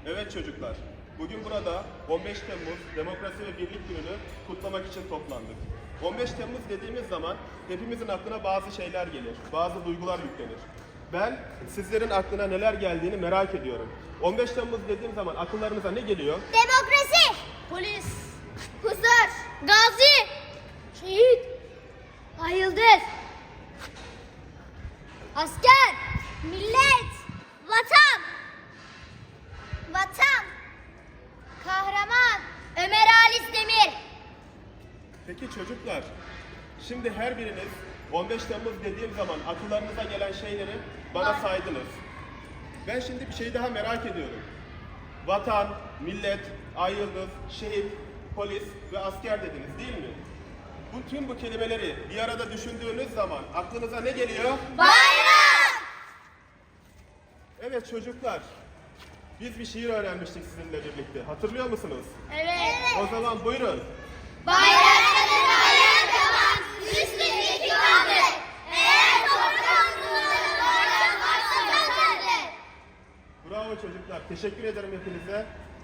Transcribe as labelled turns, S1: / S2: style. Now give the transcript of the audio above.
S1: Evet çocuklar, bugün burada 15 Temmuz Demokrasi ve Birlik Günü'nü kutlamak için toplandık. 15 Temmuz dediğimiz zaman hepimizin aklına bazı şeyler gelir, bazı duygular yüklenir. Ben sizlerin aklına neler geldiğini merak ediyorum. 15 Temmuz dediğim zaman akıllarınıza ne geliyor?
S2: Demokrasi, polis, huzur, gazi, şehit, ay yıldız, asker, millet, vatan, kahraman, Ömer Halis Demir.
S1: Peki çocuklar, şimdi her biriniz 15 Temmuz dediğim zaman akıllarınıza gelen şeyleri bana saydınız. Ben şimdi bir şey daha merak ediyorum. Vatan, millet, ay yıldız, şehit, polis ve asker dediniz değil mi? Tüm bu kelimeleri bir arada düşündüğünüz zaman aklınıza ne geliyor?
S2: Bayram!
S1: Evet çocuklar, biz bir şiir öğrenmiştik sizinle birlikte. Hatırlıyor musunuz?
S2: Evet.
S1: O zaman buyurun.
S2: Bayrakları bayrak yapan, üstündeki kaldır. Eğer toprağımızın bayrak varsa kazanır.
S1: Bravo çocuklar, teşekkür ederim hepinize.